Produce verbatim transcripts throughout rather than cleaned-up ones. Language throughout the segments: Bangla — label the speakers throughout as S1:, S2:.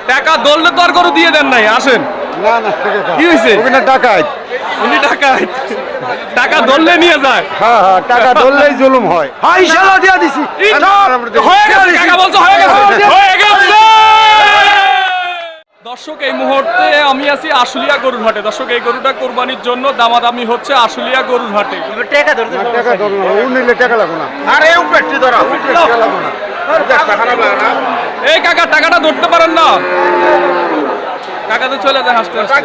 S1: টাকা দললে তো আর গরু দিয়ে দেন নাই, আসেন।
S2: না না
S1: কি হয়েছে?
S2: ওখানে ডাকাত।
S1: উনি ডাকাত, টাকা দললে নিয়ে যায়।
S2: হ্যাঁ হ্যাঁ, টাকা ধরলেই জুলুম হয়।
S3: হাই শালা দিয়া দিছি।
S1: হয়ে গেছে, কাকা বলছে হয়ে গেছে, হয়ে গেছে। দর্শক, এই মুহূর্তে আমি আছি আশুলিয়া গরুর হাটে। দর্শক, এই গরুটা কোরবানির জন্য দামাদামি হচ্ছে আশুলিয়া গরুর হাটে।
S3: টাকা ধরতে
S2: না, টাকা ধরো না, ও নিলে টাকা লাগবে না।
S3: আরে উপরে ধরা
S2: টাকা লাগবে না।
S3: খারাপ লাগে না।
S1: এই কাকা, টাকাটা ধরতে পারেন না? কাকা তো চলে যায় হাসতে হাসতে।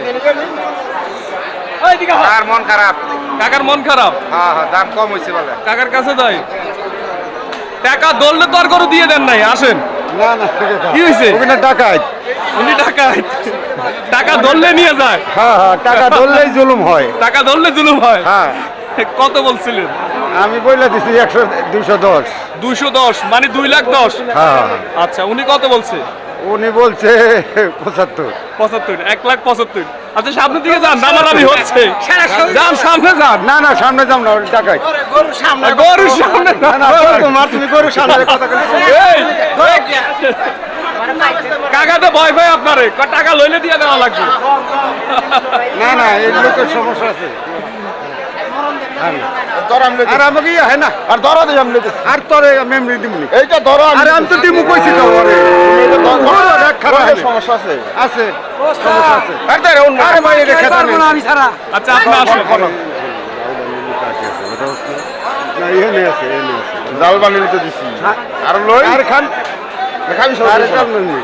S3: আর মন খারাপ।
S1: কাকার মন খারাপ,
S3: হ্যাঁ হ্যাঁ, দাম কম হয়েছে বলে।
S1: কাকার কাছে যাই। টাকা দললে তো আর গরু দিয়ে দেন নাই, আসেন।
S2: না না
S1: কি হয়েছে?
S2: ওখানে ডাকাত।
S1: উনি ডাকাত, টাকা দললে নিয়ে যায়।
S2: হ্যাঁ হ্যাঁ, টাকা ধরলেই জুলুম হয়।
S1: টাকা দললে জুলুম হয়।
S2: হ্যাঁ,
S1: কত বলছিলেন?
S2: আমি বলে দিছি একশো দুইশো দশ।
S1: দুইশো দশ মানে দুই লাখ দশ।
S2: হ্যাঁ,
S1: আচ্ছা, উনি কত বলছে?
S2: উনি বলছে পঁচাত্তর।
S1: পঁচাত্তর, এক লাখ পঁচাত্তর। আচ্ছা, সামনের দিকে যান, দামাদামি হচ্ছে। যান, সামনে যান।
S2: না না, সামনে যাও না, ওই ডাকাত।
S1: গরুর সামনে
S2: না না, তোমার তুমি গরুর সামনে কথা বলছো।
S1: এই, কাকাতে ভয় ভয় আপনারে ক টাকা লইলে দিয়ে দেওয়া লাগবে।
S2: না না, এই লোকের সমস্যা আছে। আর আমাকে ইয়ে হয় না, আর ধরো দিই আমি, আর তোরে মেমরি দিমনি এইটা ধরো। আরে আমি তো দিমু কইছি তো, সমস্যা আছে আছে সমস্যা আছে। আরে ভাই, এটা খেতে না আমি ছাড়া।
S1: আচ্ছা, আপনি আসুন।
S2: না, এখানে আছে, এখানে আছে।
S3: জাল বানিয়ে তো দিছি।
S2: আর লই আর খান
S3: খাবি সব।
S2: আরে চাল নি।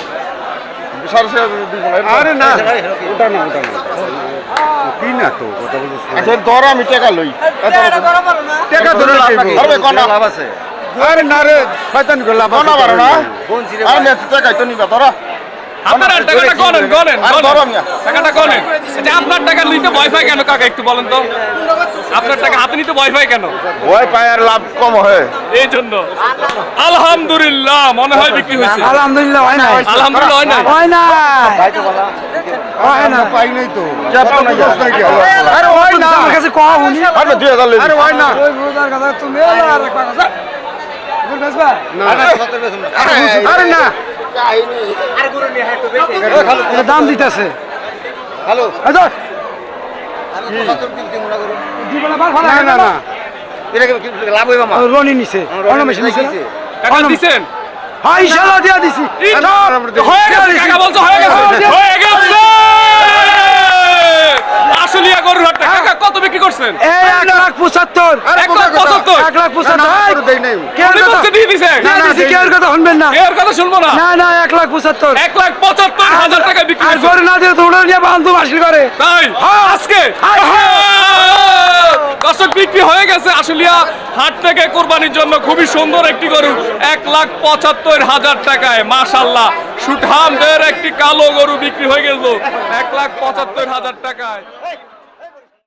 S2: আরে না, ওটা না, ওটা না। কি না তো কথা বলছিস।
S3: আচ্ছা, ধর আমি টাকা লই।
S2: টাকা ধরে
S3: ধরবে কোন লাভ আছে?
S2: আরে না রে, শয়তান গো লাভ
S3: কোন পারো না? আর মেয়ে টাকা তো নিবা ধরা।
S1: আপনার টাকাটা গনেন, গনেন,
S3: আর ধরো মিয়া।
S1: টাকাটা গনেন। আচ্ছা, আপনার টাকা নিতে ভয় পায় কেন কাকা, একটু বলেন তো? আপনার টাকা হাতে নিতে ভয় পায় কেন?
S3: ওই পায় আর লাভ কম হয়।
S1: এই জন্য। আলহামদুলিল্লাহ, মনে হয় বিক্রি হয়েছে।
S3: আলহামদুলিল্লাহ হয় না।
S1: আলহামদুলিল্লাহ হয় না।
S3: হয় না।
S2: হয় না, পাই নাই তো।
S3: চাপা না যাস নাকি?
S2: আরে হয় না,
S3: আমার কাছে কও উনি।
S2: আরে দুই হাজার লই। আরে হয় না।
S3: ওই রোজার কথা তুমি আর এক কথা। গুড বেসবা।
S2: না আরে না,
S3: আর গুরু নিয়ে একটু বেশি। এটা দাম দিতেছে।
S2: হ্যালো
S3: আচ্ছা। আমি পঁচাত্তর কিনতে মনে করুন। জীবনে বার ভালো
S2: না না না,
S3: এটা কি লাভ হইবা মা? রনি নিছে। অন্য মেশিন নিছে।
S1: টাকা দিছেন?
S3: হাই শালা দিয়া দিছি।
S1: হয়ে গেছে, কাকা বলছে হয়ে গেছে, হয়ে গেছে। আশুলিয়া গরুর হাটে কাকা কত বিক্রি করছেন?
S3: এই এক লাখ পঁচাত্তর।
S1: এক লাখ পঁচাত্তর।
S3: এক লাখ পঁচাত্তর।
S2: দেই নাই।
S1: উনি বলছে দিয়ে দিছে।
S3: না না, কেউর কথা শুনবেন না।
S1: এর কথা শুনবো না।
S3: না না, এক লাখ পঁচাত্তর।
S1: এক লাখ পঁচাত্তর হাজার টাকা বিক্রি
S3: আর
S1: করছে।
S3: গরু না দিয়ে তোমরা নিয়ে বান্ধব হাসিল করে।
S1: তাই আজকে দর্শক বিক্রি হয়ে গেছে আশুলিয়া হাট থেকে কোরবানির জন্য খুবই সুন্দর একটি গরু এক লাখ পঁচাত্তর হাজার টাকায়। মাশাআল্লাহ, সুঠামদের একটি কালো গরু বিক্রি হয়ে গেল এক লাখ পঁচাত্তর হাজার টাকায়।